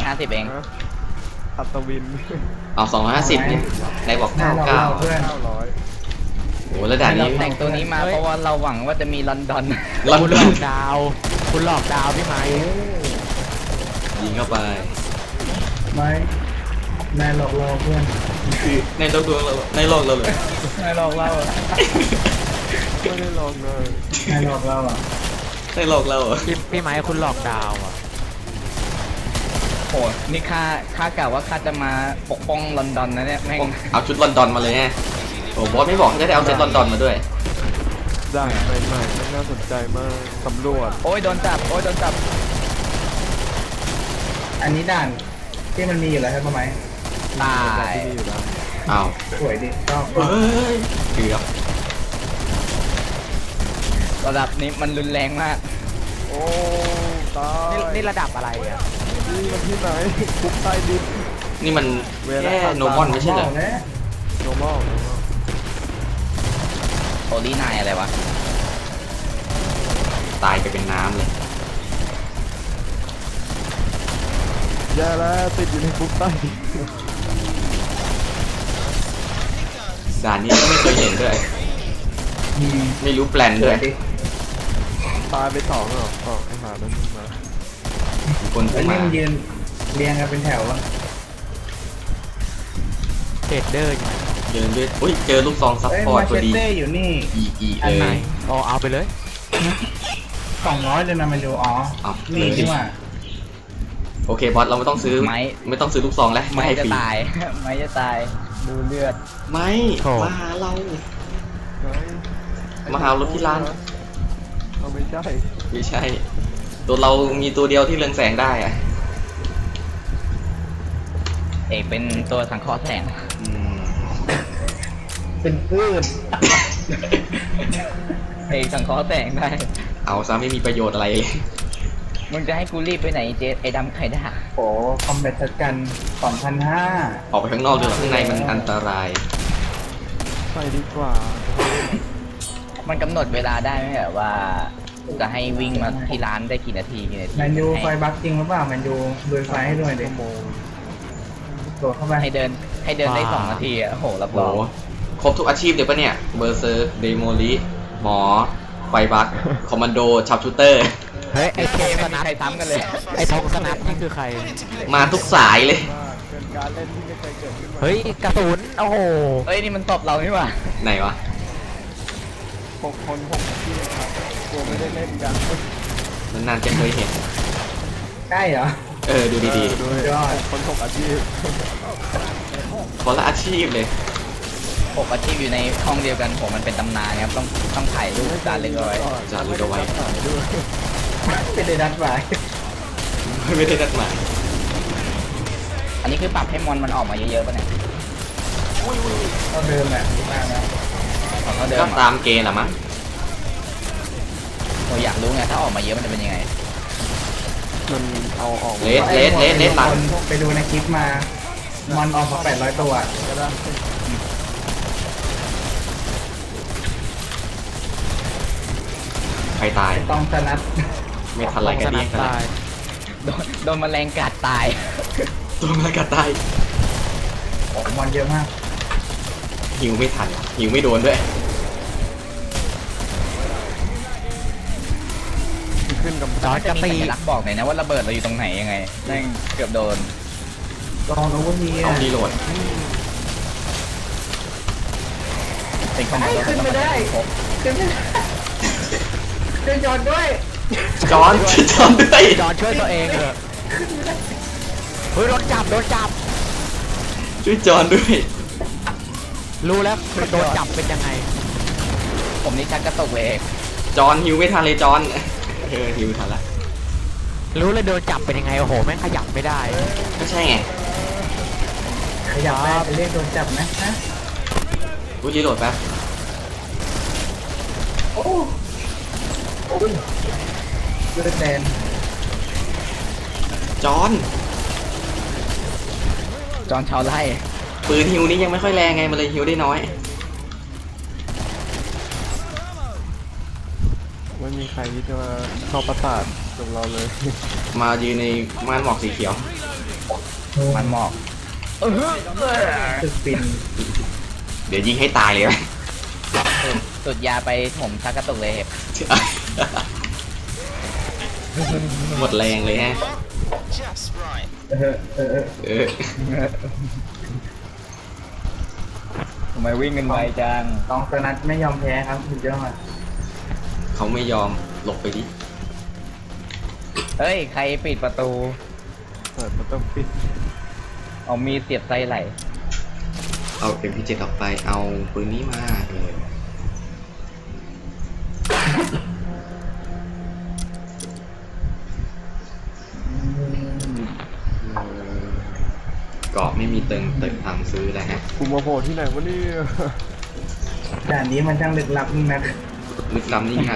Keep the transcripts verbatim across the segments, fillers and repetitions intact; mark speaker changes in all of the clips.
Speaker 1: ห้าสิบเอง
Speaker 2: อัศวิน
Speaker 3: เอาสองร้อยห้าสิบนี่ในบอกเก้าเก้า
Speaker 2: เก้าร้อย
Speaker 3: โอ้แล้วด่านนี้
Speaker 1: แต่งตัวนี้มาเพราะว่าเราหวังว่าจะมีลอนดอน
Speaker 3: ลอนดอน
Speaker 4: ดาวคุณหลอกดาวพี่ไม้
Speaker 3: ยิงเข้าไป
Speaker 5: ไม่นายหลอกเราเพื่อน
Speaker 3: ในโลกดวงเราในโลกเราเลย
Speaker 1: นายหลอกเรา
Speaker 2: ไม่ได้ลองเลย
Speaker 5: นายหลอกเราอ่ะ
Speaker 3: ในโลกเรา
Speaker 4: พี่พี่ไม้คุณหลอกดาวอ่ะ
Speaker 1: โหนี่ข้าข้ากะว่าข้าจะมาปกป้องลอนดอนนะเนี่ยแม่ง
Speaker 3: เอาชุดลอนดอนมาเลยไงโอ้บอสไม่บอกจะได้เอาเซตลอนดอนมาด้วย
Speaker 2: ด่านใหม่ๆมันน่าสนใจมากสำรวจ
Speaker 1: โอ้ยโดนจับโอ้ยโดนจับ
Speaker 5: อันนี้ด่านที่มันมีอยู่แล้วใช่ไหม
Speaker 1: ตาย
Speaker 2: ที่มีอยู่แล้ว
Speaker 3: อ้าว
Speaker 5: สวยดิชอบ
Speaker 3: เฮ้ยเกือบ
Speaker 1: ระดับนี้มันรุนแรงมาก
Speaker 2: โอ้ตาย
Speaker 4: นี่ระดับอะไรอ่ะ
Speaker 2: นี่มันที่ไหนคุกใต้ดิน
Speaker 3: นี่มันแค่โนมอนไม่ใช่เหรอ
Speaker 2: โนมอล
Speaker 1: โอลี่นายอะไรวะ
Speaker 3: ตายไปเป็นน้ำเลย
Speaker 2: แย่แล้วติดอยู่ในคุกใต้ดิน
Speaker 3: ด่านนี้ก็ไม่เคยเห็นด้วยไม่รู้แปลนด้วย
Speaker 2: ตายไปสองเหรออ๋อไอ้หานั่นมา
Speaker 3: คน
Speaker 5: แล้วนี่มันยืนเรียงกันเป็นแถวอ่ะ
Speaker 4: เทรดเดอร์อยู่
Speaker 3: เดินด้วยอุ้ยเจอลูกซองซับพอร์ตพอดี
Speaker 5: อยู่นี่
Speaker 3: อีอีเลย
Speaker 4: อ๋อเอาไปเลย
Speaker 5: สองร้อยเลยนะมันอยู่อ๋อนี่ดีกว่า
Speaker 3: โอเคบอสเราไม่ต้องซื้อไม่ไม่ต้องซื้อลูกซองแล้ว
Speaker 1: ไม่จะตายไม่จะตายดูเลือด
Speaker 3: ไม่มาหาเรามาหารถที่ร้าน
Speaker 2: เราไม่ใช่
Speaker 3: ไม่ใช่ตัวเรามีตัวเดียวที่เรืองแสงได้อะ
Speaker 1: เอกเป็นตัวสังเคราะห์แสง
Speaker 5: เป็นพืช
Speaker 1: เอกสังเคราะห์แสงได้
Speaker 3: เอาซะไม่มีประโยชน์อะไรเลย
Speaker 1: มึงจะให้กูรีบไปไหนเจไอ้ดำไข่ด่า
Speaker 5: โอ้คอมแบทกันสองพันห้า
Speaker 3: ออกไปข้างนอกดีกว่าข้างในมันอันตราย
Speaker 2: ไปดีกว่า
Speaker 1: มันกำหนดเวลาได้ไหมแบบว่าจะให้วิ่งมาที่ร้านได้กี่นาทีกี่นาที
Speaker 5: แมนยูไฟบัคจริงหรือเปล่าแมนยูดูไฟให้ด้วยเด็กตัวเข้าไป
Speaker 1: ให้เดินให้เดินได้สองนาทีอ่ะโหรับรอง
Speaker 3: ครบทุกอาชีพเดี๋ยวปะเนี่ยเบอร์เซอร์เดโมลิหมอไฟบัคคอมมานโดชับชูเตอร์
Speaker 4: เฮ้ยไอ้ธงสนับ
Speaker 1: ใครซ้ำกันเลย
Speaker 4: ไอ้ธงสนับนี่คือใคร
Speaker 3: มาทุกสายเลย
Speaker 4: เฮ้ยกระสุนโอ้โห
Speaker 1: เฮ้ยนี่มันตบเรานี่หว่า
Speaker 3: ไหนวะ
Speaker 2: หกคนหกที่ครับตัวไม่ได้เล่นกัน
Speaker 3: นานๆจะเคยเห็น
Speaker 5: ใช่เหรอ
Speaker 3: เออดูดี
Speaker 2: ๆยอดคนหกอาชีพ
Speaker 3: คนละอาชีพเลย
Speaker 1: หกอาชีพอยู่ในห้องเดียวกันผมมันเป็นตำนานครับต้องต้องถ่ายรูปจารึกเอาไว้
Speaker 3: จารึกเอาไว้
Speaker 5: ไม่ได้นัดหมาย
Speaker 3: ไม่ได้นัดหมาย
Speaker 1: อันนี้คือปรับให้มอนมันออกมาเยอะๆป่ะเนี่ย
Speaker 5: ก็เดิมแหละมาแล้ว
Speaker 3: ก็ตามเกณฑ์แหละมั้ง
Speaker 1: ผมอยากรู้ไงถ้าออกมาเยอะมันจะเป็นยังไง
Speaker 2: มันเอาออก
Speaker 3: เลสเลสเลสเลสหลัง
Speaker 5: ไปดูในคลิปมามันออกมาแปดร้อยตัวก็ได้
Speaker 3: ใครตาย
Speaker 5: ต้องสนัด
Speaker 3: ไม่ทันไรกันดีกัน
Speaker 1: ตายโดนโดนแมลงกัดตาย
Speaker 3: โดนแมลงกัดตาย
Speaker 5: โอ้มันเยอะมาก
Speaker 3: หิวไม่ทันหิวไม่โดนด้วย
Speaker 2: ขึ้นกับ
Speaker 1: จอจะตีรักบอกหน่อยนะว่าระเบิดเราอยู่ตรงไหนยังไงนั่งเกือบโดน
Speaker 5: ลองดูว่ามี
Speaker 3: เอาดีโหลด
Speaker 1: เป็นขนาด
Speaker 5: ขึ้นไม่ได้ขึ้นไม่ได้ขึ้นจอนด้วย
Speaker 3: จอนจอนด้วย
Speaker 4: จอนช่วยตัวเองเถอะเฮ้ยโดนจับโดนจับ
Speaker 3: ช่วยจอนด้วย
Speaker 4: รู้แล้วโดนจับเป็นยังไง
Speaker 1: ผมนี่ชักกระตุกเลย
Speaker 3: จอนหิวไม่ทันเลยจอนเออหิวทันละ
Speaker 4: รู้เลยโดนจับเป็นยังไงโอ้โหแม่งขยับไม่ได้
Speaker 3: ก็ใช่ไง
Speaker 5: ขยับได้ไปเรียกโดนจับนะฮะ
Speaker 3: กูรีโหลดแป๊บ
Speaker 5: โอ้โอ้เลือดแดง
Speaker 3: จอน
Speaker 1: จอนชาวไร่
Speaker 3: ปืนฮิวนี้ยังไม่ค่อยแรงไงมันเลยฮิวได้น้อย
Speaker 2: ไม่มีใครที่จะมาเข้าประสาทกับเราเลย
Speaker 3: มายืนในม่านหมอกสีเขียว
Speaker 1: มันหมอกเออ
Speaker 5: ตึกปิน
Speaker 3: เดี๋ยวยิงให้ตายเลยไหม
Speaker 1: สุดสุดยาไปผมชักกระตุกเลยเห็บ
Speaker 3: หมดแรงเลยฮะ
Speaker 5: เออเออเออ
Speaker 3: เออ
Speaker 1: ทำไมวิ่งกันไวจัง
Speaker 5: ตองสนัดไม่ยอมแพ้ครับสุดยอด
Speaker 3: เขาไม่ยอมหลบไปดิ
Speaker 1: เฮ้ยใครปิดประตู
Speaker 2: เปิดประตูปิด
Speaker 1: เอามีดเสียบไส้ไหล
Speaker 3: เอาเอ็มพีเจ็ดออกไปเอาปืนนี้มาเออเกาะไม่มีเติงเติงทำซื้อแล้วฮะ
Speaker 2: กูมาโผล่ที่ไหนวะเนี่ย
Speaker 5: ด่านนี้มันช่างลึกลับนี่นะ
Speaker 3: ลึกล้ำนี่งัด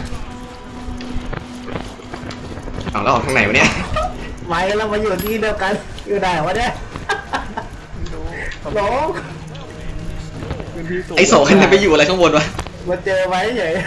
Speaker 3: เอาแล้วออกทางไหนวะเนี่ย
Speaker 5: ไว้แล้วมาอยู่ที่เดียวกันอยู่ไหนวะเนี่ย
Speaker 2: ไม่รู้
Speaker 5: หลง
Speaker 2: พื้นที่สูง
Speaker 3: ไอโสกันจะไปอยู่อะไรข้างบนวะ
Speaker 5: มาเจอไว้เฉย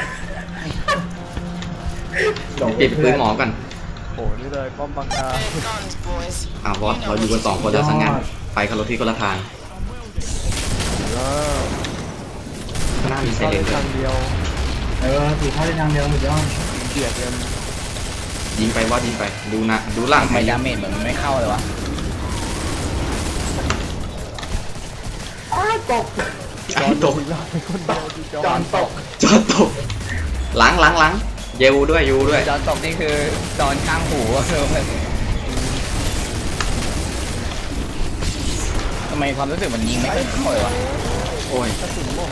Speaker 3: ปิดปืนหมอก่อน
Speaker 2: โผล่นี่เลยป้อมบังคา
Speaker 3: อ้าวบอสเราอยู่กันสองคนแล้วสังงานไปคนละที่คนละทาง
Speaker 2: แล้ว
Speaker 3: ข้างหน้ามีไซ
Speaker 2: เข้า
Speaker 3: เร
Speaker 2: ได้
Speaker 3: นด้ว
Speaker 2: ทาย งเดียว
Speaker 5: เออผีเข้าได้ทางเดียวสุดยอด
Speaker 2: เบียดกัน
Speaker 3: ยิงไปบอสยิงไปดูนะดูหลัง
Speaker 1: ทำ
Speaker 3: ไป
Speaker 1: ไมดาเมจเหมือนมันไม่เข้าเลยวะ
Speaker 5: อ้าวตก
Speaker 3: จอนตก
Speaker 2: ทิ้งเราไปคนเดียวที่จอ
Speaker 5: จอนตก
Speaker 3: จอนตกหลังหลังหลังเยูด้วยยูด้วย
Speaker 1: จอนตกนี่คือจอนข้างหูคือมันทำไมความรู้สึกมันยิงไม่ค่อยเข้าเลยวะ
Speaker 3: โอ้ย
Speaker 2: กระสุนหมด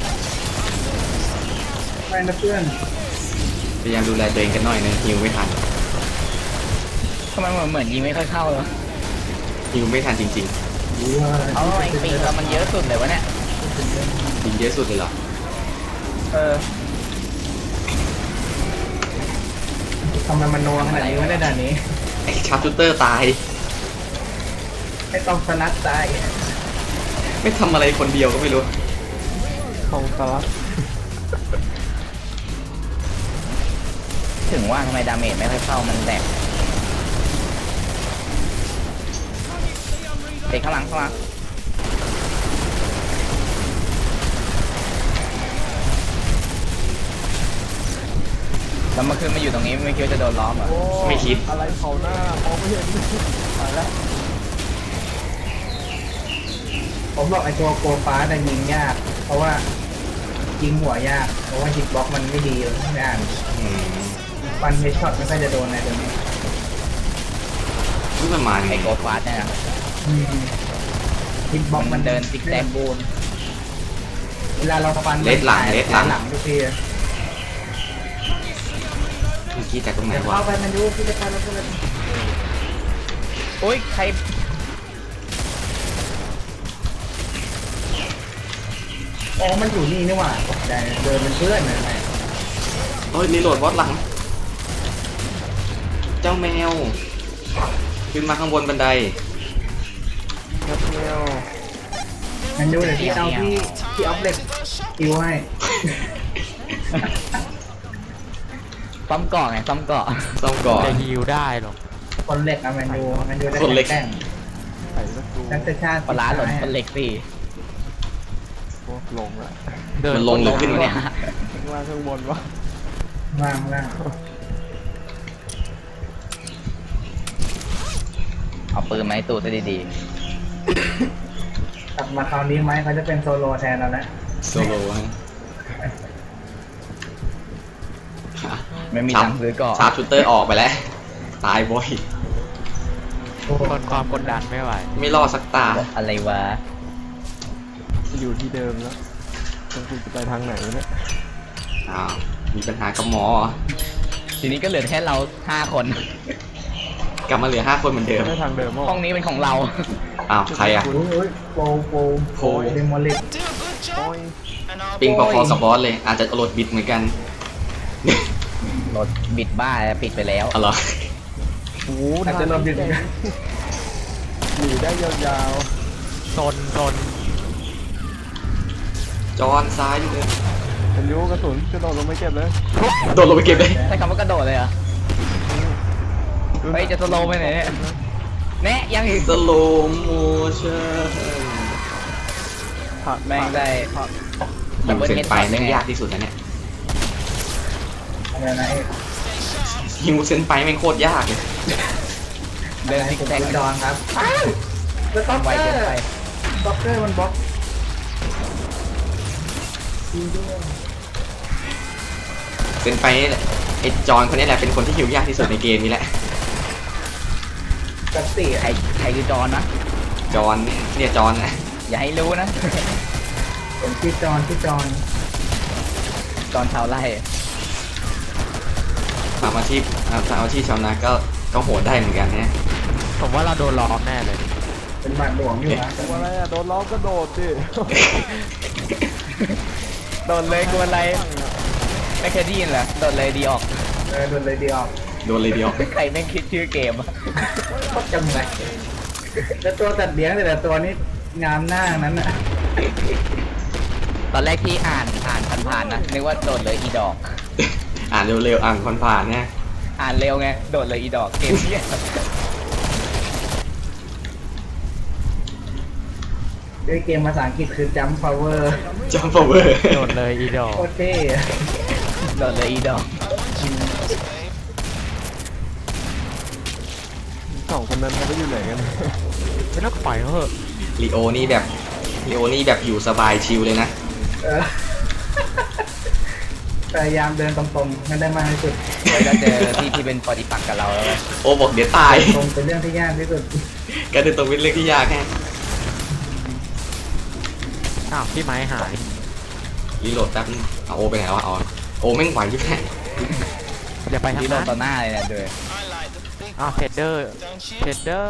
Speaker 5: ไม่นะเพื่อน
Speaker 3: พยายามดูแลตัวเองกันหน่อยนะฮิวไม่ทัน
Speaker 1: ทำไมมันเหมือนยิงไม่ค่อยเข้าเลยวะ
Speaker 3: ฮิวไม่ทันจริง
Speaker 5: รู้ว่า
Speaker 1: เอาไอ้ปีกเรามันเยอะสุดเลยวะเนี่ย
Speaker 3: ๆยิงเยอะสุดเลยเหรอ
Speaker 1: เออ
Speaker 5: ทำไมมันโนขนาดนี้วะในด่านนี้
Speaker 3: ไอชาร์ปชูเตอร์ตาย
Speaker 5: ไม่ต้องสนัดตาย
Speaker 3: ไม่ทำอะไรคนเดียวก็ไม่รู้
Speaker 2: ของสลัด
Speaker 1: ถึงว่าทำไมดาเมจไม่ค่อยเข้ามันแตกเด็กข้างหลังข้างหลังแล้วเมื่อคืนมาอยู่ตรงนี้ไม่คิดว่าจะโดนล้อมเหรอ
Speaker 2: โอ้
Speaker 3: ไม่คิด
Speaker 2: อะไรเผาหน้ามองไม่เห็นตายแล้ว
Speaker 5: ผมบอกไอ้ตัวโกฟ้าแต่ยิงยาก เพราะว่ายิงหัวยาก เพราะว่าฮิตบ็อกมันไม่ดีเลยไม่อ่าน
Speaker 3: อืม
Speaker 5: ฟันเฮดช็อตไม่ค่อยจะโดนในตัวนี้
Speaker 3: นี่มันมาไง
Speaker 1: ไอโกฟาสเนี่ยนะ
Speaker 5: ฮิตบ็อก
Speaker 1: มั
Speaker 5: มัน น
Speaker 1: เดินซิกแซก
Speaker 5: บูนเวลาเราฟัน
Speaker 3: เลสหลังเลสหลัง
Speaker 5: หลังทุกที
Speaker 3: เมื่อกี้จากตรงไหน
Speaker 5: เดี๋ยว
Speaker 3: วะ
Speaker 5: เข้าไปมันดูพี่จะไปแล้วก็เลย
Speaker 1: โอ้ยใคร
Speaker 5: อ๋อมันอยู่นี่นี่หว่าตกใจเดินเป็นเพื่อนเลย
Speaker 3: โอ้ยรีโหลดบอสหลัง เจ้าแมว ขึ้นมาข้างบนบันได
Speaker 2: แคปเนล
Speaker 5: มันดูเดี๋ยวที่เอาที่ที่ออฟเล็กคิวให้
Speaker 1: ซ่อมเกาะไงซ่อมเกาะ
Speaker 3: ซ่อมก่อน
Speaker 4: จะฮิวได้หรอก
Speaker 5: คนเล็กอะมันดูมันดูได้
Speaker 3: คนเล็ก
Speaker 5: แกล้ง
Speaker 2: ไข่สักดู
Speaker 5: ตั้งแต่ชาติ
Speaker 1: ปลาร้าหล่นคนเหล็กสี่
Speaker 2: โอ้ลงละ
Speaker 4: เดิน
Speaker 3: มันลงหรือขึ้นวะเนี่ย
Speaker 2: ข้างล่างข้างบนวะ
Speaker 5: ว่างว่าง
Speaker 1: เอาปืนมาให้ตูดซะดี
Speaker 5: กลับมาคราวนี้ไหมเขาจะเป็นโซโลแทนเราแล้ว
Speaker 3: โซโล่ฮะ
Speaker 1: ๆไม่มีตังค์ซื้อเกาะ
Speaker 3: ชาร์ปชูเตอร์ออกไปแล้ว ตายบ่อย
Speaker 4: ทนความกดดันไม่ไหว
Speaker 3: ไม่รอดสักตา
Speaker 1: อะไรวะ
Speaker 2: อยู่ที่เดิมแล้วต้องกูจะไปทางไหนวะเนี่ย
Speaker 3: อ้าว มีปัญหากับหมอเหรอ
Speaker 1: ทีนี้ก็เหลือแค่เราห้าคน
Speaker 3: กลับมาเหลือห้าคนเหมือนเดิม
Speaker 2: ไม่ทางเดิมมั้ง
Speaker 1: ห้องนี้เป็นของเรา
Speaker 3: อ้าว ใครอ่ะ
Speaker 5: โอ้ยโอ้ยโปรโปร
Speaker 3: โปร
Speaker 5: เดโมลิก
Speaker 2: โอ้ย
Speaker 3: ปิงพอๆกับบอสเลย อาจจะโหลดบิดเหมือนกัน
Speaker 1: รถบิดบ้าปิดไปแล้ว
Speaker 3: เอาเหรอ
Speaker 2: โอ้โห
Speaker 5: อาจจะลมดึง
Speaker 2: หนีได้ยาว
Speaker 4: โซนโซน
Speaker 3: จอนซ้ายอยู่เลย
Speaker 2: ๆเป็นยูกระสุนกระโดดลงไปเก็บเลย
Speaker 3: โดดลงไปเก็บเลย
Speaker 1: ใช้คำว่ากระโดดเลยเหรอ เฮ้ยจะสโลว์ไปไหนเนี่ยแน่ยังอีก
Speaker 3: สโลโมชั่น
Speaker 2: ผัก
Speaker 1: แม่งได้
Speaker 2: ผัก
Speaker 3: ยิงเซนไปแม่งยากที่สุดแล้วเนี่ย
Speaker 5: อะไรนะเอก
Speaker 3: ยิงเซนไปแม่งโคตรยากเลย
Speaker 1: เดินซิก
Speaker 5: ผม
Speaker 1: แซก
Speaker 5: เป็นดอนครับอ้าวแล้วต็อก
Speaker 1: ไว
Speaker 5: เกอ
Speaker 1: เกิน
Speaker 5: ร์
Speaker 1: ไป
Speaker 5: ต็อกเกอร์มันบล็อก
Speaker 3: เซนไปนี่แหละไอจอนคนนี้แหละเป็นคนที่ฮิวยากที่สุดในเกมนี้แหละ
Speaker 5: กับสี่
Speaker 1: ใครใครคือจอนนะ
Speaker 3: จอนเนี่ยจอนนะ
Speaker 1: อย่าให้รู้นะ
Speaker 5: ผมชื่อจอนชื่อจอน
Speaker 1: จอนชาวไร่
Speaker 3: ทำอาชีพอ่าทำอาชีพชาวนาก็ก็โหดได้เหมือนกันเนี่ย
Speaker 4: ผมว่าเราโดนล้อมแน่เลย
Speaker 5: เป็นบาทหลวงอยู่นะ
Speaker 2: ตัวอะไรอะโดนล้อมก็โดดดิ
Speaker 1: โดนเลยกวนอะไรไม่เคยได้ยินเหรอโดนเลยดีออก
Speaker 5: เออโดนเลยดีออก
Speaker 3: โดนเลยเดียว
Speaker 1: ใครแม่งคิดชื่อเกมอะ
Speaker 5: โคตรจังเลยแล้วตัวตัดเลี้ยงแต่ละตัวนี้งามหน้านั้นน่ะ
Speaker 1: ตอนแรกที่อ่านอ่านผ่านๆนะนึกว่าโดนเลยอีดอก
Speaker 3: อ่านเร็วๆอ่านผ่านๆเนี่ย
Speaker 1: อ่านเร็วไงโดดเลยอีดอกเกมเนี้ย
Speaker 5: ด้วยเกมภาษาอังกฤษคือ jump power
Speaker 3: จอมพาวเวอร์
Speaker 4: โดนเลยอีดอก
Speaker 5: โคตรเท่อะ
Speaker 1: โดดเลยอีดอก
Speaker 2: สองคนนั้นเขาไปอยู่ไหนกัน
Speaker 4: ไม่ต้องปล่อยเขาเถอะ
Speaker 3: ลีโอนี่แบบลีโอนี่แบบอยู่สบายชิลเลยนะ
Speaker 5: เออพยายามเดินตรงๆให้ได้มากที่สุด
Speaker 1: ไว้ก็เจอที่ที่เป็นปฏิปักษ์กับเราแล้ว
Speaker 3: โอบอกเดี๋ยวตาย
Speaker 5: ตรงเป็นเรื่องที่ยากที่สุด
Speaker 3: การเดินตรงเป็นเรื่องที่ยากแค่
Speaker 4: อ้าวพี่ไม้หาย
Speaker 3: รีโหลดแป๊บนึงเอาโอไปไหนวะเอาโอแม่งไหวอยู่แค่
Speaker 4: อย่าไปทาง
Speaker 1: ที่โด
Speaker 4: นั้น น
Speaker 1: ต่อหน้าเลยเนี่ยด้วย
Speaker 4: อ้าวเทรดเดอร์เทรดเดอร์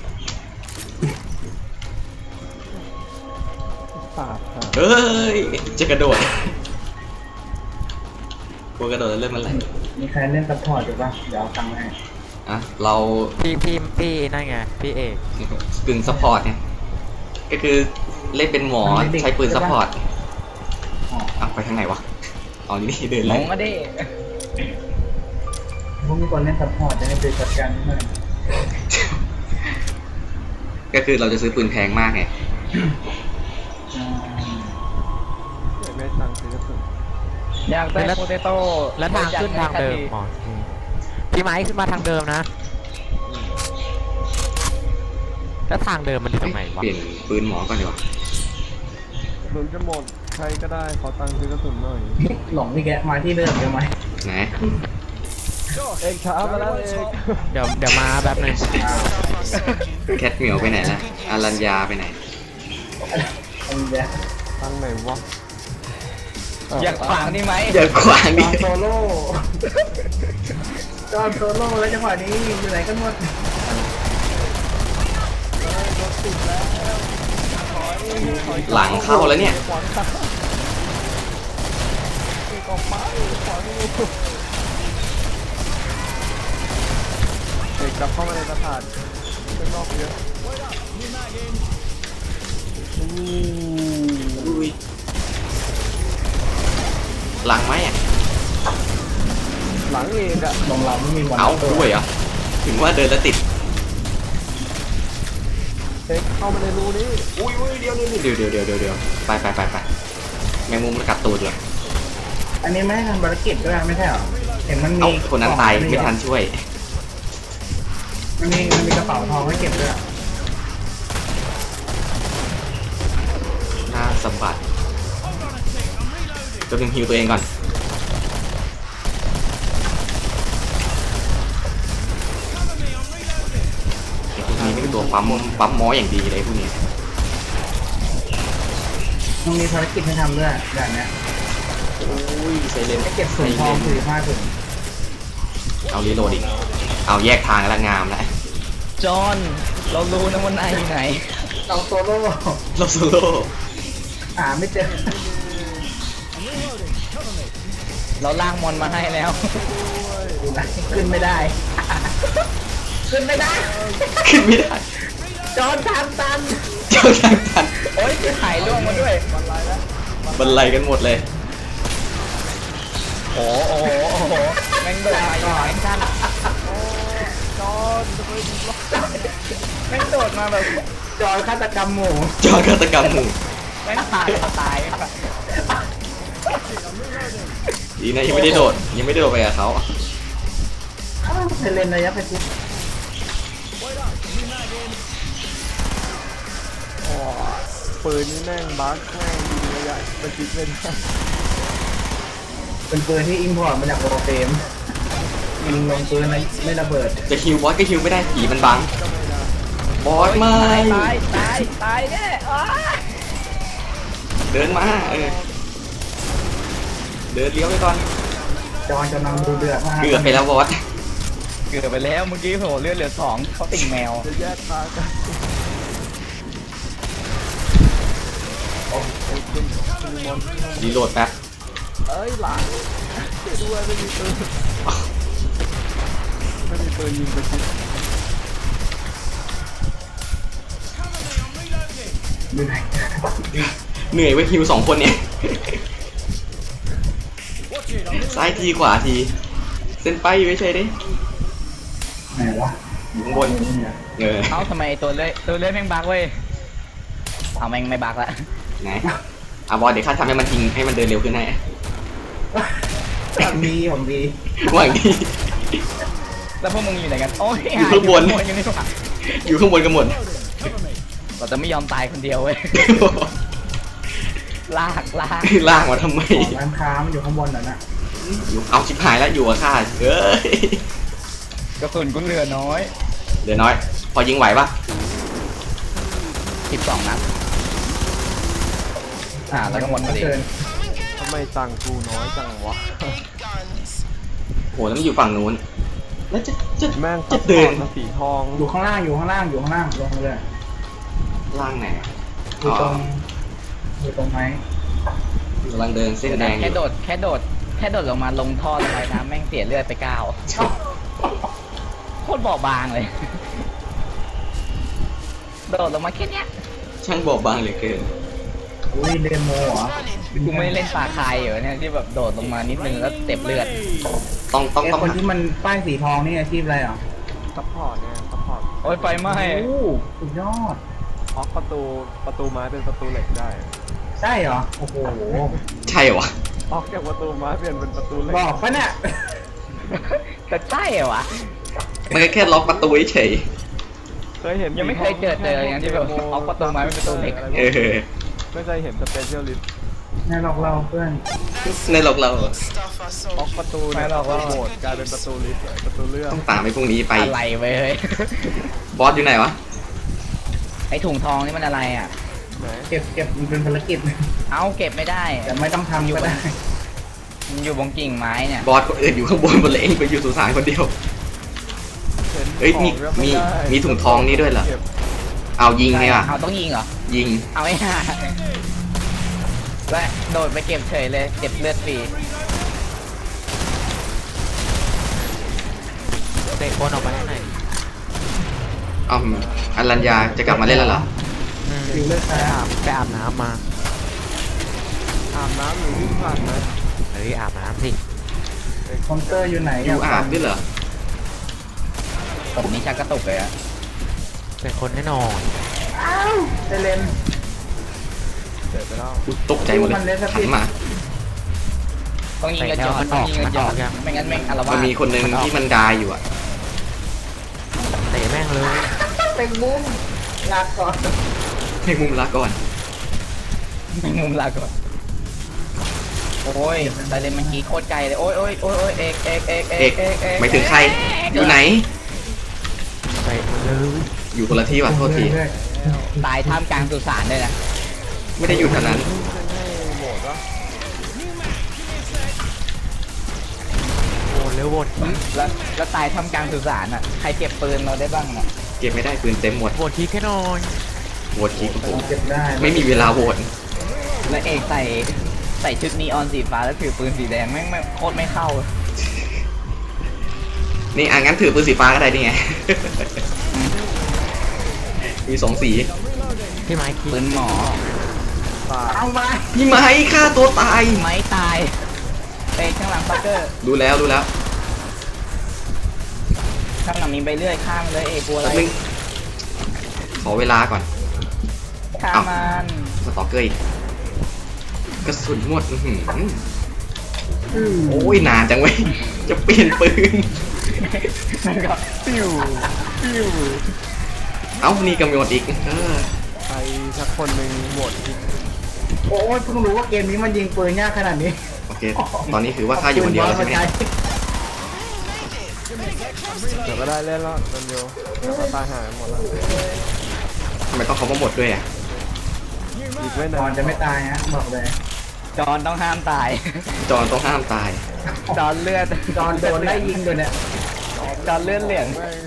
Speaker 2: ปาดค่ะ
Speaker 3: เฮ้ยจะกระโดดกลัวกระโดดแล้วเริ่มมันไหล
Speaker 5: มีใครเล่นซัพพอร์ตอยู่ปะเดี๋ยวเอาตังค์ให้
Speaker 3: อ่ะเรา
Speaker 4: พี่พี่พี่นั่นไงพี่เอก
Speaker 3: กึ่งซัพพอร์ตเนี่ยก็คือเล่นเป็นหมอใช้ปืนซัพพอร์ต
Speaker 5: อ๋อ
Speaker 3: อ่ะไปทางไหนวะอ๋อนี่เดิน
Speaker 1: ม
Speaker 3: เล
Speaker 1: อย งก็ได้
Speaker 5: พวกมีคนเล่นซัพพอร์ตจะให้ไปจัดการนิดหน่อย
Speaker 3: ก็คือเราจะซื้อปืนแพงมากไง
Speaker 5: อ่า
Speaker 2: เดี๋ยวไม่ตังค์ซื้อกระสุน
Speaker 1: อยากได้โปเตโต้
Speaker 4: แล้วทางขึ้นทางเดิมอ๋อพี่ไม้ขึ้นมาทางเดิมนะ แล้วทางเดิมมันอยู่ตรงไหนวะ
Speaker 3: เปลี่ยนปืนหมอก่อนดีกว่า
Speaker 2: กระสุนจะหมดใครก็ได้ขอตังค์ซื้อกระสุนหน่อย
Speaker 5: หลงพี่แกมาที่เดิมใช่ไหม
Speaker 3: ไหน
Speaker 2: เอกช้ามาแล้วเอก
Speaker 4: เดี๋ยวเดี๋ยวมาแป๊บหนึง
Speaker 5: อ่า
Speaker 3: แคทเหมียวไปไหนละอารัญญาไปไหน
Speaker 5: อันเดียว
Speaker 2: ทางไหนวะ
Speaker 1: อยากขวางนี่ไหม
Speaker 3: อย่าขวาง
Speaker 5: จ
Speaker 3: ดิ
Speaker 5: อห์นโซโล่จอห์นโซโล่แล้วจังหวะนี้อยู่ไหนกันหมด
Speaker 3: หลังเข้าแล้วเนี่ย
Speaker 2: ขวางทางเอกออกไปขวางอยู่เอกกลับเข้ามาในสถานข้างนอกเยอะอู้
Speaker 3: อุ้ยหลังไหมอ่ะ
Speaker 2: หลังเอกอะ
Speaker 5: ลงเราไม่มีวัน
Speaker 3: เอา
Speaker 5: ตัว
Speaker 3: ด้วยเหรอถึงว่าเดินแล้วติด
Speaker 2: เอกเข้ามาในรูนี้
Speaker 3: อุ้ยอุ้ยเดี๋ยวเดี๋ยวเดี๋ยวเดี๋ยวเดี๋ยวเดี๋ยวไปไปไปไปแมงมุมมันกัดตูดเลย
Speaker 5: อันนี้ไม่ได้ทำภารกิจด้วยไม่ใช่เหรอเห็นมันมี
Speaker 3: เอ้าคนนั้นตายไม่ทันช่วย
Speaker 5: มันมีมันมีกระเป๋าทองให้เก็บด้วย
Speaker 3: หน้าสะบัดตัวหนึ่งฮิวตัวเองก่อนไอ้พวกนี้นี่เป็นตัวปั๊มปั๊มหมออย่างดีเลยพวกนี้
Speaker 5: มันมีภารกิจให้ทำด้วยอย่างเนี้ย
Speaker 3: โอ้ยไซเลน
Speaker 5: ให้เก็บถุงทองถือผ้าถุง
Speaker 3: เอารีโหลดอีกเอาแยกทางแล้วงามแล้ว
Speaker 1: จอห์นเรารู้นะว่านายอยู่ไหน
Speaker 5: เราโซโล่
Speaker 3: เราโซโล่
Speaker 5: หาไม่เจอ
Speaker 1: เราล่างมอนมาให้แล้ว
Speaker 5: ดูนะขึ้นไม่ได้ ขึ้นไม่ได้
Speaker 3: ขึ้นไม่ได้
Speaker 5: จอนทางตัน
Speaker 3: เจ้าทางทัน
Speaker 1: โอ๊ยถ่ายร่วงมาด้วย
Speaker 3: บรรลัยกันหมดเลย
Speaker 1: โอ้โหโอ้โหโอ้โหแม่งโดนมาอยู่ไหนกัน
Speaker 2: จอนจะไป
Speaker 1: แม่งโดดมาแบบ
Speaker 5: จอยฆาตกรรมหมู่
Speaker 3: จอฆาตกรรมหมู่
Speaker 1: แม่งตายตายแบบ
Speaker 3: ดีนะยังไม่ได้โดดยังไม่ได้โดดไปกับเขา
Speaker 5: อ้าวเซเลนระยะไปทุก
Speaker 2: โอ้ปืนนี่แม่งบั๊กแม่งยิงระยะประชิดไม่ได้
Speaker 5: เป็นปืนที่อิมพอร์ตมาจากโปรเฟมยิงลงปืนไม่ไม่ระเบิด
Speaker 3: จะฮิวบอสก็ฮิวไม่ได้ผีมันบังบอสไม่
Speaker 1: ตายตายตายแน่อ้า
Speaker 3: เดินมาเออเดินเลี้ยวไปก่อน
Speaker 5: จอยกำลังดูเดือดมาก
Speaker 3: เกือบไปแล้วบอส
Speaker 1: เกือบไปแล้วเมื่อกี้โหเลือดเหลือสองเขาติ่งแมว
Speaker 2: จะแยกทางกันโอ้ยคุณคุณมอน
Speaker 3: รีโหลดแป๊บ
Speaker 2: เอ้ยหลังช่วยด้วยไม่มีปืนไม่มีปืนยิงประชิด
Speaker 5: ดูไหน
Speaker 3: เหนื่อยไว้ฮิวสองคนเนี่ยซ้ายทีขวาทีเส้นไปไม่ใช่ดิ
Speaker 5: ไหนวะ
Speaker 3: อยู่ข้างบน
Speaker 5: เนี่ย
Speaker 3: เออ
Speaker 1: เอ้าทำไมตัวเลื่อยตัวเลื่อยแม่งบักเว้ยเอาแม่งไม่บักละ
Speaker 3: ไหนอ่ะบอสเดี๋ยวข้าทำให้มันทิ้งให้มันเดินเร็วขึ้นให้
Speaker 5: ผมดีผมดี
Speaker 3: หวังดี
Speaker 1: แล้วพวกมึงอยู่ไหนกันโอ้ย
Speaker 3: อยู่ข้างบน
Speaker 1: อยู่ข้างบนอยู่นี่หว่า
Speaker 3: อยู่ข้างบนกันหมด
Speaker 1: เราจะไม่ยอมตายคนเดียวเว้ยลากลาก
Speaker 3: ลากมาทำไม
Speaker 5: ของร้านค้ามันอยู่ข้างบนน่ะนะ
Speaker 3: อยู่เอาชิบหายแล้วอยู่กับข้าเอ้ย
Speaker 1: กระสุนกูเหลือน้อย
Speaker 3: เดี๋ยวน้อย พอยิงไหวปะ
Speaker 1: สิบสองนัดอ่าแล้วก็หมดพอดี
Speaker 5: เกิน
Speaker 2: ทำไมตังค์กูน้อยจังวะ
Speaker 3: โหแล้วมันอยู่ฝั่งนู้นแล้วจะจะ
Speaker 2: แม่ง
Speaker 3: จะเดิน
Speaker 2: มาสีทอง
Speaker 5: อยู่ข้างล่างอยู่ข้างล่างอยู่ข้างล่างลงเลย
Speaker 3: ล่างไหน
Speaker 5: อยู่ตรงอยู่ตรงไหน
Speaker 3: กำลังเดินเส้นแดงอ
Speaker 1: แค่
Speaker 3: ยู่
Speaker 1: โดดแค่โดดแค่โดดลงมาลงท่อลงไปน้ำแม่งเสียเลือดไปเก้าโคตรบอบบางเลย โดดลงมาแค่เนี้ย
Speaker 3: ช่างบอบบางเหลือเกิน
Speaker 5: อุ้ยเดโมเหรอ
Speaker 1: กูไม่ได้เล่นปลาคายอยู่เนี่ยที่แบบโดดลงมานิดนึงแล้วเจ็บเลือด
Speaker 3: ต้องต้อง
Speaker 5: ไอ้
Speaker 3: ต้อง
Speaker 5: คนที่มันป้ายสีทองนี่อาชีพอะไรอ่ะ
Speaker 2: ซัพพอร์ตเนี่ยซัพพอร์ต
Speaker 1: โอ้ยไฟไหม้
Speaker 5: โอ้สุดยอด
Speaker 2: ออกประตูประตูไม้เป็นประตูเหล็กได้
Speaker 5: ใช่เหรอโอ้โห
Speaker 3: ใช่เหรอวะ
Speaker 2: ออกจากประตูไม้เปลี่ยนเป็นประตูเหล็ก
Speaker 5: บอกปะเนี่ย
Speaker 1: แต่ใช่เหรอวะ
Speaker 3: มันก็แค่ล็อกประตูเฉย
Speaker 2: เคยเห็น
Speaker 1: ยังไม่เคยเจอเจออย่างนั้นที่แบบเอาประตูไม้เป็นประตูเหล็ก
Speaker 3: เออ
Speaker 2: ไม่เคยเห็นสเปเชียลิสต์
Speaker 5: แน่หลอกเราเพื่อน
Speaker 3: ในหลอกเรา
Speaker 2: ออกประตูเนี่ยประตูโหมดกลายเป็นประตูลิฟต์เลยประตูเลื่อน
Speaker 3: ต้องตามไปพรุ่งนี้ไป
Speaker 1: อะไรเว้ย
Speaker 3: บอสอยู่ไหนวะ
Speaker 1: ไอถุงทองนี่มันอะไรอ่ะ
Speaker 2: ไหน
Speaker 5: เก็บเก็บมันเป็นภารกิจ
Speaker 1: เอาเก็บไม่ได้
Speaker 5: แต่ไม่ต้องทำก็ได้
Speaker 1: มันอยู่บนกิ่งไม้เนี่ย
Speaker 3: บอสคนอื่นอยู่ข้างบนหมดเลยเองไปอยู่สุสานคนเดียว
Speaker 2: เห็น
Speaker 3: เอ้ยมี
Speaker 2: ของก็ไ
Speaker 3: มี
Speaker 2: ได้
Speaker 3: มีถุงทองนี่ด้วยเหรอ
Speaker 2: ก็บ
Speaker 3: เอายิงไงวะ
Speaker 1: เอาต้องยิงเหรอ
Speaker 3: ยิง
Speaker 1: เอาไม่ห่าและโดดไปเก็บเฉยเลยเก็บเลือดฟรี
Speaker 4: เตะคนออกไปข้างใน
Speaker 3: อ้าวอรัญญาจะกลับมาเล่นแล้วเหรอ
Speaker 4: อืม
Speaker 5: อยู่เลือด
Speaker 4: ไป
Speaker 5: ตา
Speaker 4: อาบไปอาบน้ำมา
Speaker 2: อาบน้ำหรือวิ่งผ่านไหม
Speaker 4: เฮ้ยอาบน้ำสิ
Speaker 5: คอมเตอร์อยู่ไหน
Speaker 3: อยู่อาบด้วยเหรอ
Speaker 1: ผมนี่ชักกระตุกเลยอะ
Speaker 4: เป็นคนแน่นอน
Speaker 5: อ้าวเซเลน
Speaker 2: เสร็จไปแล้ว
Speaker 3: อุ๊ยตกใจหมดเลย
Speaker 5: มันเล่นส
Speaker 3: หั
Speaker 5: ปิ
Speaker 3: น
Speaker 5: น
Speaker 3: มา
Speaker 1: ต้องยิงกระจอกต้องยิงกระจอกไม่งั้นแม่งอารวา
Speaker 3: มัน
Speaker 1: ส
Speaker 3: มีคนหนึ่งที่มันดายอยู่อะ
Speaker 4: เตะแม่งเลย
Speaker 5: เป็นมุมลาก่อน
Speaker 3: ให้มุมละก่อน
Speaker 1: แม่งมุมลาก่อนโอ้ยไซเลนเมื่อกี้โคตรไกลเลยโอ้ยโอ้ยโอ้ยโอ้ยเอกเอกเอกเอ
Speaker 3: เอก
Speaker 1: กเอกเอก
Speaker 3: หมายถึงใคร อยู่ไหน
Speaker 4: เตะมันเลย
Speaker 3: อยู่คนละที่ว่ะโทษที
Speaker 5: เรื่อย
Speaker 1: ตายท่ามกลางสุสานด้วยนะ
Speaker 3: ไม่ได้อยู่แถวนั้น
Speaker 2: ให้โหมดวะ
Speaker 4: โวนเร็วโวนที
Speaker 1: แล้วแล้วตายท่ามกลางสุสานอ่ะใครเก็บปืนเราได้บ้างอ่ะ
Speaker 3: เก็บไม่ได้ปืนเต็มหมด
Speaker 4: โวนทีแค่นอน
Speaker 3: โหวตทีโอ้โห
Speaker 5: ๆเก็บได้
Speaker 3: ไม่มีเวลาโหวต
Speaker 1: แล้วเอกใส่ใส่ชุดนีออนสีฟ้าแล้วถือปืนสีแดงแม่งแม่งโคตรไม่เข้า
Speaker 3: นี่อ่ะงั้นถือปืนสีฟ้าก็ได้นี่ไง มีสองสี
Speaker 4: พี่ไม้คิด
Speaker 1: ปืนหมอ
Speaker 2: ตาย
Speaker 5: เอามา
Speaker 3: พี่ไม้ฆ่าตัวตาย
Speaker 1: ไม้ตายเอกข้างหลังปักเกอร์
Speaker 3: ดูแล้วดูแล้ว
Speaker 1: ข้างหลังมีใบเลื่อยข้างเลยเอกกลัวอะไร
Speaker 3: แป๊บนึงขอเวลาก่อน
Speaker 1: ฆ่ามัน
Speaker 3: สตอกเกอร์อีกกระสุนหมดอื้อหือโอ้ยนานจังเว้ยจะเปลี่ยนปืน
Speaker 1: มันก็ปิ้วปิ้ว
Speaker 3: เอ้านี่กำหนดอีกเออ
Speaker 2: ใครสักคนหนึ่งหมดที่
Speaker 5: โอ้ยเพิ่งรู้ว่าเกมนี้มันยิงปืนยากขนาดนี้
Speaker 3: โอเค ตอนนี้ถือว่าข้าอยู่คนเดียวแล้วใช่ไหมเนี่ย
Speaker 2: เดี๋ยวก็ได้เล่นแล้วนันโยเดี๋ยวก็ตายหายหมดแล้ว
Speaker 3: ทำไมต้องเขามาหมดด้วยอ่ะ
Speaker 2: อีกไม่
Speaker 5: ต
Speaker 2: นา
Speaker 5: อน
Speaker 2: น
Speaker 5: จะไม่ตายฮะบอกเลย
Speaker 1: จอนต้องห้ามตาย
Speaker 3: จอนต้องห้ามตาย
Speaker 1: จอนเลือด
Speaker 5: ตอนโดนไล่ยิงอยู่เนี่ย
Speaker 1: จอนเลือดเหลือง
Speaker 2: แม่ง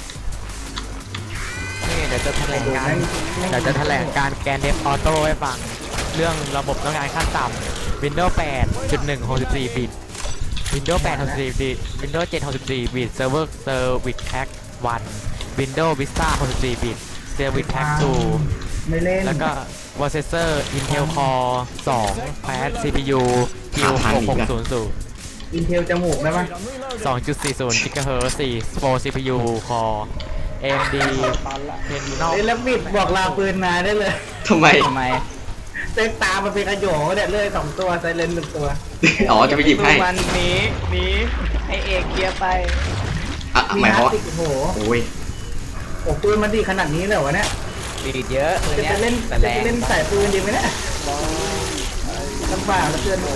Speaker 4: นี่เดี๋ยวจะแถลงการเดี๋ยวจะแถลงการแกนเดฟออโต้ให้ฟัง เรื่องระบบต้องการขั้นต่ำ Windows แปดจุดหนึ่ง หกสิบสี่บิต Windows แปด หกสิบสี่บิต Windows เจ็ด หกสิบสี่บิต Server Service Pack วัน Windows Vista หกสิบสี่บิต Service Pack ทู
Speaker 5: ไม่เล่น
Speaker 4: แล้วก็ Processor Intel Core สอง แพด ซี พี ยู คิว หกหกศูนย์ศูนย์
Speaker 5: อินเทลจมูกได้ไหม
Speaker 4: สองจุดสี่ศูนย์ GHz สี่ โฟร์ ซี พี ยู Core เอ็ม ดี Tenor
Speaker 5: เอ้ยแล้วบิดบอกลาปืนมาได้เลย
Speaker 3: ทำไม
Speaker 1: ทำไม
Speaker 5: เต็มตามันเป็นกระโยงเนี่ยเลยสองตัวไซเลนหนึ่งตัว
Speaker 3: อ๋อ จะไปหยิบให้
Speaker 1: วันหนี้นี้ให้เอกเคลียร์ไป
Speaker 3: อ่ะหมายความว่า
Speaker 5: ติโอ้โห
Speaker 3: โอ้ย
Speaker 5: โอ้ปืนมันดีขนาดนี้เลยวะเนี่ย
Speaker 1: ดีดเยอะเลย
Speaker 5: จะ
Speaker 1: เนี่ย
Speaker 5: ไปเล่น
Speaker 1: แต่
Speaker 5: จะ
Speaker 1: แร
Speaker 5: ไป
Speaker 1: ง
Speaker 5: เล่นใส่ปืนดีไหมเนี่ยลำบากแล้วเกิน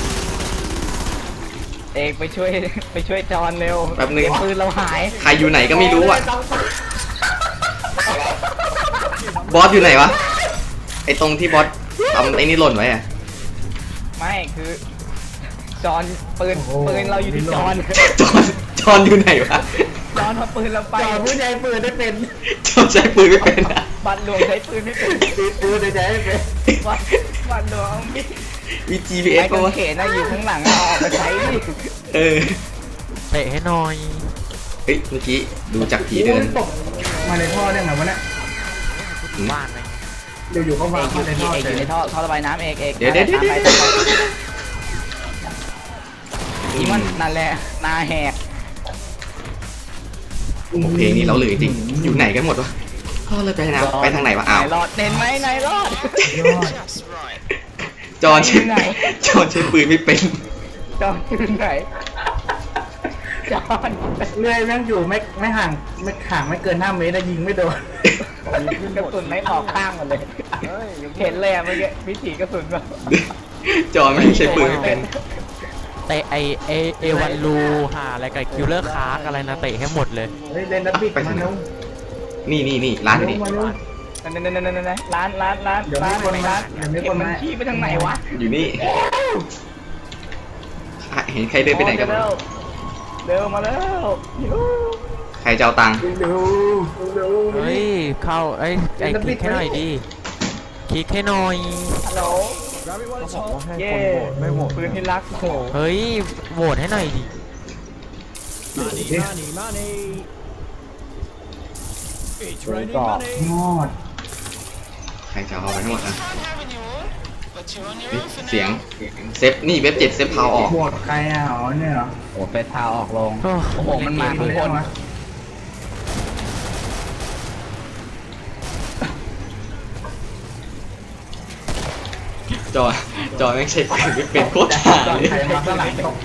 Speaker 1: เอกไปช่วยไปช่วยจอนเร็ว
Speaker 3: แป๊บนึง
Speaker 1: เดี๋ยวปืนเราหาย
Speaker 3: ใครอยู่ไหนก็ไม่รู้อ่ะ บอสอยู่ไหนวะ ไอตรงที่บอสทำไอ้นี่หล่นไว้อ่ะ
Speaker 1: ไม่คือ จอนปืนปืนเราอยู่ที่จอน
Speaker 3: จอนจอนอยู่ไหนวะ
Speaker 1: จอนเอาปืนเราไป
Speaker 5: จอผู้ใช้ปืนได้เป็น
Speaker 3: จอนใช้ปืนไม่เป็นอะ
Speaker 1: บัตรหลวงใช้ปืนไม่เป็น
Speaker 5: ตีปืนได้ใช้ไม่เป็น
Speaker 1: บัตรบัตรหลวงเอามีด
Speaker 3: มี จี พี เอส
Speaker 1: ไอ้
Speaker 3: ป่ะ
Speaker 1: กาง
Speaker 3: วะ
Speaker 1: เขนน่ะอยู่ข้างหลังเอาออกไปใช้ดิ
Speaker 3: เออ
Speaker 4: เตะให้หน่อย
Speaker 3: เฮ้ย เมื่อกี้ดูจากผีเดิน
Speaker 5: ตกมาในท่อได้ไงวะเนี่ย
Speaker 4: บ้านไหม
Speaker 5: อยู่ๆก็
Speaker 1: เอ
Speaker 5: วาง
Speaker 1: กอยู่
Speaker 5: มาในท่อ
Speaker 1: เอก
Speaker 5: เล
Speaker 1: อยู่
Speaker 5: ย
Speaker 1: ในท่อท่อระบายน้ำเอกเอก
Speaker 3: เดี๋ยวเดี๋ยวเดี๋ยวเดี๋ยว
Speaker 1: ตามไปนี่มันนั่นแหละนาแหก
Speaker 3: โอ้โหเพลงนี้เราเหลือจริงๆอยู่ไหนกันหมดวะพ่อเลยไปทางไหนไปทางไหนวะอ้าว
Speaker 1: นายรอดเห็นไหมนายรอด
Speaker 5: ยอด
Speaker 3: จอนใช้
Speaker 1: ไหน
Speaker 3: จอนใช้ปืนไม่เป็น
Speaker 1: จอนอยู่ไหนจอน
Speaker 5: เลื่อยแม่งอยู่ไม่ไม่ห่างไม่ห่างไม่เกินห้าเมตรแต่ยิงไม่โดน
Speaker 1: กระสุนไม่ออกข้างหมดเลย
Speaker 2: เฮ้ย
Speaker 1: เห็นเลยอะเมื่อกี้วิถีกระสุนแบบ
Speaker 3: จอนไม่ใช้ปืนไม่เป็น
Speaker 4: เตะไอเอเอวันลูหาอะไรกับคิวเลอร์คาร์กอะไรนะเตะให้หมดเลย
Speaker 5: เฮ้ยเล่นแล้วบิดมาเร็ว
Speaker 3: นี่นี่นี่ร้านอยู่นี่
Speaker 5: มาเร็ว
Speaker 1: นั่นนั่นนั่นนั่นนั่นร้านร้านร้าน
Speaker 5: เดี๋ยวมี
Speaker 1: ร้าน
Speaker 5: คนมา
Speaker 1: ร้าน
Speaker 5: เดี๋ยวมี
Speaker 1: เก็
Speaker 5: ค
Speaker 1: บ
Speaker 5: น
Speaker 1: มัน
Speaker 5: มา
Speaker 1: ขี้ไปทางไหนวะ
Speaker 3: อยู่นี่อ่ะเห็นใครเดินไปไหนกัน
Speaker 1: เร็
Speaker 3: บ้าง
Speaker 1: วเร็วมาแล้วยู
Speaker 3: ใครจะเอาตังค์
Speaker 5: เร็วเร็ว
Speaker 4: เฮ้ย เข้าไอ้ยไอ้คลิกให้หน่อยดิคลิกให้หน่อย
Speaker 1: ฮัลโหล
Speaker 2: บอกว่าให้
Speaker 1: เย่
Speaker 2: คนโหวตไม่โหวต
Speaker 1: ปืนที่รักโห
Speaker 4: เฮ้ยโหวตให้หน่อยดิ
Speaker 2: ต่อย
Speaker 5: อด
Speaker 3: ใครจะเอาไปทั้งหมดอ่ะเฮ้ยเสียงเซฟนี่เว็บเจ็ดเซฟพาวออก
Speaker 5: โหวตใครอ่ะอ๋อเนี่ยเหรอ
Speaker 1: โอ้เป็ดพาออกลง
Speaker 4: โอ้
Speaker 1: โอ้โหมันมาทุกคน
Speaker 5: วะ
Speaker 3: จอจอไม่งใช่ปืนไม่เป็นโคตรหา
Speaker 5: ตอน
Speaker 3: เลย
Speaker 5: ใครมาข้างหลังตกใจ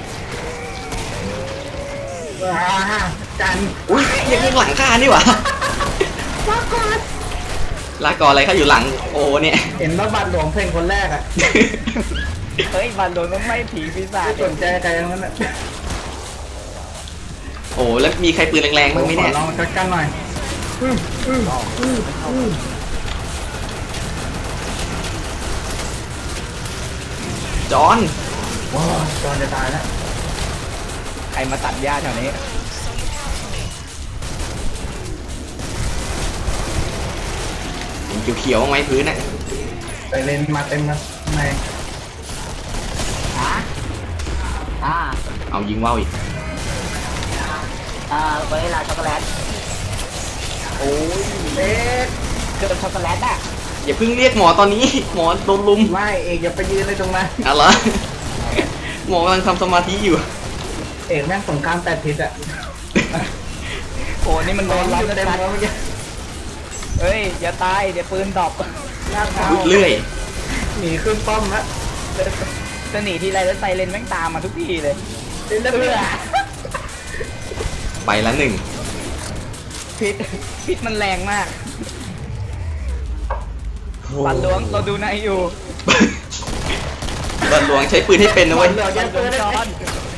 Speaker 5: ว้าจัน
Speaker 3: อุ้ยยังข้างหลังข้านี่หว่าลาก่อนลาก่อนอะไรข้าอยู่หลังโอ้เนี่ย
Speaker 5: เห็นว่าบัตรหลวงเพลงคนแรกอ่ะ
Speaker 1: เฮ้ยบันโดนต้องไม่ผีปีศาจ
Speaker 5: ไม่สนใจใครทั้งนั้นอ่ะ
Speaker 3: โอ้แล้วมีใครปืนแรงๆบ้างไหมเนี่ย
Speaker 5: ขอลองชัดกันหน่อยอืมอืมอืมอืม
Speaker 3: จอน
Speaker 5: ว้าวจอนจะตายแล้ว
Speaker 1: ใครมาตัดหญ้าแถวนี้
Speaker 3: เขียวๆบ้างไหมพื้นอ่ะ
Speaker 5: ไปเลนมาเต็มแล้วข้างใน
Speaker 1: ฮะอ่า
Speaker 3: เอายิงว่าวอีก
Speaker 1: อ่าวานิลาช็อกโกแลต
Speaker 5: โอ้ยเล็ก
Speaker 1: เกิดช็อกโกแลตอ่ะ
Speaker 3: อย่าเพิ่งเรียกหมอตอนนี้หมอโดนลุม
Speaker 5: ไม่เอกอย่าไปยืนเลยตรงนั้น
Speaker 3: อะไรหมอกำลังทำสมาธิอยู่
Speaker 5: เอกแม่งสงครามแปดทิศอ่ะ
Speaker 1: โอ้นี่มันโดนล้อม
Speaker 5: เต็
Speaker 1: เต็
Speaker 5: ม
Speaker 1: ม
Speaker 5: แล้วเมื่อกี้
Speaker 1: เฮ้ยอย่าตายเดี๋ยวปืนดรอป
Speaker 5: ลากเท้า
Speaker 3: เลื่อย
Speaker 5: หนีขึ้นป้อมละ
Speaker 1: จะหนีทีไรแล้วไซเรนแม่งตามมาทุกทีเลย
Speaker 5: เล่นแล้วเพื่อ
Speaker 3: ไปละหนึ่ง
Speaker 1: พิษพิษมันแรงมากปันหลวงเราดูนายอยู่
Speaker 3: บัลหลวงใช้ปืนให้เป็นนะเว้ย
Speaker 5: เหลือ
Speaker 1: ปั
Speaker 5: แค่
Speaker 1: นหล
Speaker 5: ปื
Speaker 1: วง
Speaker 5: น
Speaker 1: จ
Speaker 5: ได้
Speaker 1: อน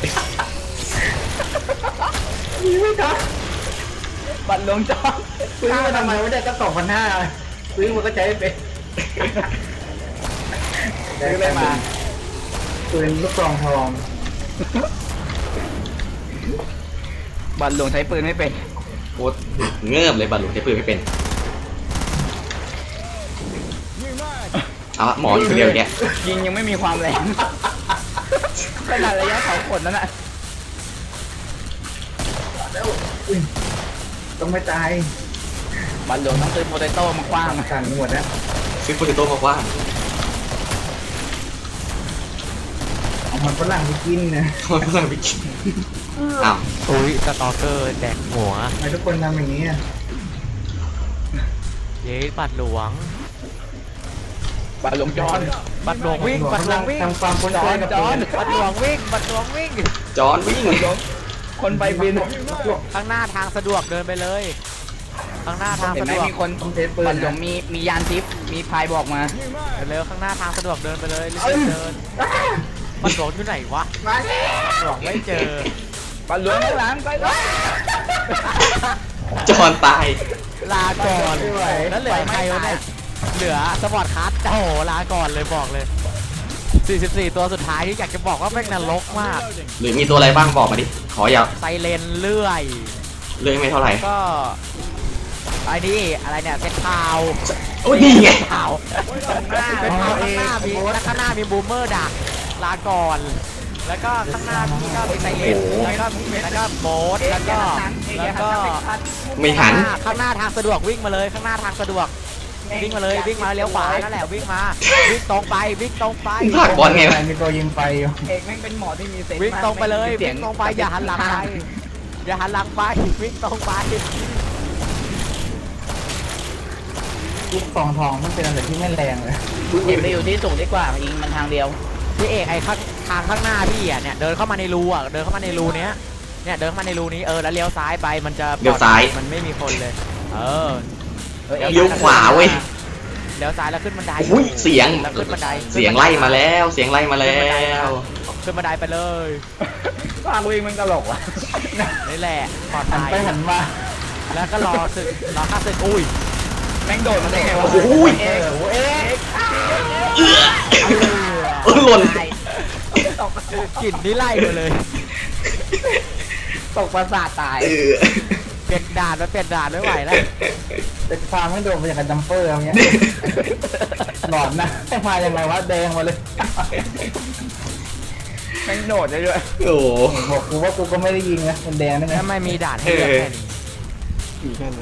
Speaker 5: หนีไม่ทัน
Speaker 1: ปันหลวงจอน
Speaker 5: ซื้อมาทำไมไม่ได้ก็สองพันห้าซื้อมันก็ใช้ไม่เป็น
Speaker 1: ซื้อเลยมา
Speaker 5: ปืนลูกซองทอง
Speaker 1: ปันหลวงใช้ปืนไม่เป็น
Speaker 3: โคตรเงิบเลยบัลหลวงใช้ปืนไม่เป็นเอาละหมออยู่คนเดียวอย่างเงี้ย
Speaker 1: ยิงยังไม่มีความแรงขนาดระยะเสาขนนั่นน่ะ
Speaker 5: แล้วอุ๊ยต้องไม่ตาย
Speaker 1: ปันหลวงต้องซื้อโปเตโต้มาคว้าง
Speaker 5: สั่นหมดแล้ว
Speaker 3: ซื้อโปเตโต้มากว้าง
Speaker 5: เอามันฝรั่งไปกินนะ
Speaker 3: ทำไมเพื่อนไปกินอ้าว
Speaker 4: อุ้ยสตอเกอร์แดกหัว
Speaker 5: ทำไมทุกคนทำอย่างนี้อ่ะ
Speaker 4: เย้บัตรหลวง
Speaker 1: ปันหลวงจอน
Speaker 4: บัตรหลวงวิ่งบัตรหลวงวิ่ง
Speaker 5: ทำความคุ้นเคยกับปืน
Speaker 4: บัตรหลวงวิ่งบัตรหลวงวิ่ง
Speaker 3: จอนวิ่ง
Speaker 1: คนไปบิน
Speaker 4: ข้างหน้าทางสะดวกเดินไปเลย ข้างหน้าทาง
Speaker 1: เห็น
Speaker 4: สะ
Speaker 1: ไหม
Speaker 4: ดวก
Speaker 1: มีคน
Speaker 5: ต้องเทสปืน
Speaker 1: ปันหลวงมีมียานทิพย์มีพายบอกมา
Speaker 4: เร็วๆข้างหน้าทางสะดวกเดินไปเลยรีบๆเดินบัตรหลวงอยู่ไหนวะ
Speaker 5: มาแล้ว
Speaker 4: บัตรหลวงไม่เจอ
Speaker 1: ปันหลวงข้างหลังไปเลย
Speaker 3: จอนตาย
Speaker 4: ลาก่อนแล้วเหลือใครวะเนี่ยเหลือสปอร์ตคัสโอ้โหลาก่อนเลยบอกเลยสี่สิบสี่ตัวสุดท้ายที่อยากจะบอกว่าแม่งนรกมาก
Speaker 3: หรือมีตัวอะไรบ้างบอกมาดิ ขออย่า
Speaker 4: ไซเรนเลื่อย
Speaker 3: เรื่องไม่เท่าไหร่
Speaker 4: ก็ไอ้นี่อะไรเนี่ยเซตพาว
Speaker 3: โอ้ยนี่ไง
Speaker 4: พาวเป็นพาวข้างหน้ามีข้างหน้ามีบูมเมอร์ดักลาก่อน แล้วก็ข้างหน้าพี่ก็มีไซเรนแล้วก็แล้วก็โบสแล้วก็แล้วก็
Speaker 3: ไม่หัน
Speaker 4: ข้างหน้าทางสะดวกวิ่งมาเลยข้างหน้าทางสะดวกวิ่งมาเลยวิ่งมาเลี้ยวขวานั่นแหละวิ่งมาวิ่งตรงไปวิ่งตรงไป
Speaker 3: ผลักบอลไงวะ
Speaker 5: มีตัวยิงไฟอยู่
Speaker 1: เอกแม่งเป็นหมอที่มีเซนส์
Speaker 4: วิ่งตรงไปเลย
Speaker 1: สี
Speaker 4: วิ่งตรงไปอย่าหันหลังไปอย่าหันหลังไปวิ่งตรงไป
Speaker 5: ลูกซองทองมันเป็นอะไรที่ไม่แรงเลย
Speaker 1: เอกไปอยู่ที่สูงดีกว่ายิงมันทางเดียว
Speaker 4: พี่เอกไอ้ข้างทางข้างหน้าพี่อ่ะเนี่ยเดินเข้ามาในรูอ่ะเดินเข้ามาในรูเนี้ยเนี่ยเดินเข้ามาในรูนี้เออแล้วเลี้ยวซ้ายไปมันจะ
Speaker 3: เลี้ยวซ้าย
Speaker 4: มันไม่มีคนเลย เออ
Speaker 3: เลี้ยวขวาเว้ย
Speaker 4: เลี้ยวซ้ายแล้วขึ้นบันได
Speaker 3: อุ้ยเสียง
Speaker 4: แล้วขึ้นบันได
Speaker 3: เสียงไล่มาแล้ว เสียงไล่มาแล้ว
Speaker 4: ขึ้นบันไดไปเลย
Speaker 1: ทางวิ่งมันตลกว่ะ
Speaker 4: นี่แหละปลอด
Speaker 5: หัน
Speaker 4: ภัย
Speaker 5: ไปหันมา
Speaker 4: แล้วก็รอศึกรอข้าศึกอุ้ย
Speaker 1: แม่งโดดมาได้ไงวะ
Speaker 3: โอ้ย
Speaker 1: เอกโอ้เอก
Speaker 3: เออหล่น
Speaker 1: ตก
Speaker 4: กลิ่นนี่ไล่มาเลย
Speaker 1: ตกประสาทตาย
Speaker 3: เออ
Speaker 4: เปลี่ยนด่านมาเปลี่ยนด่านไม่ไหวแล้ว
Speaker 5: แต่ฟาร์มไม่โดนมาจากการจัมเปอร์อะไรเงี้ยหลอนนะให้มายังไงวะแดงมาเลย
Speaker 1: แม่งโดดได้ด้วย
Speaker 3: โอ้โห
Speaker 5: บอกกูว่ากูก็ไม่ได้ยิงนะมันแดงได้ไง
Speaker 4: ทำไมมีด่านให้เลือกแค่นี้
Speaker 2: อยู่แค่นั้น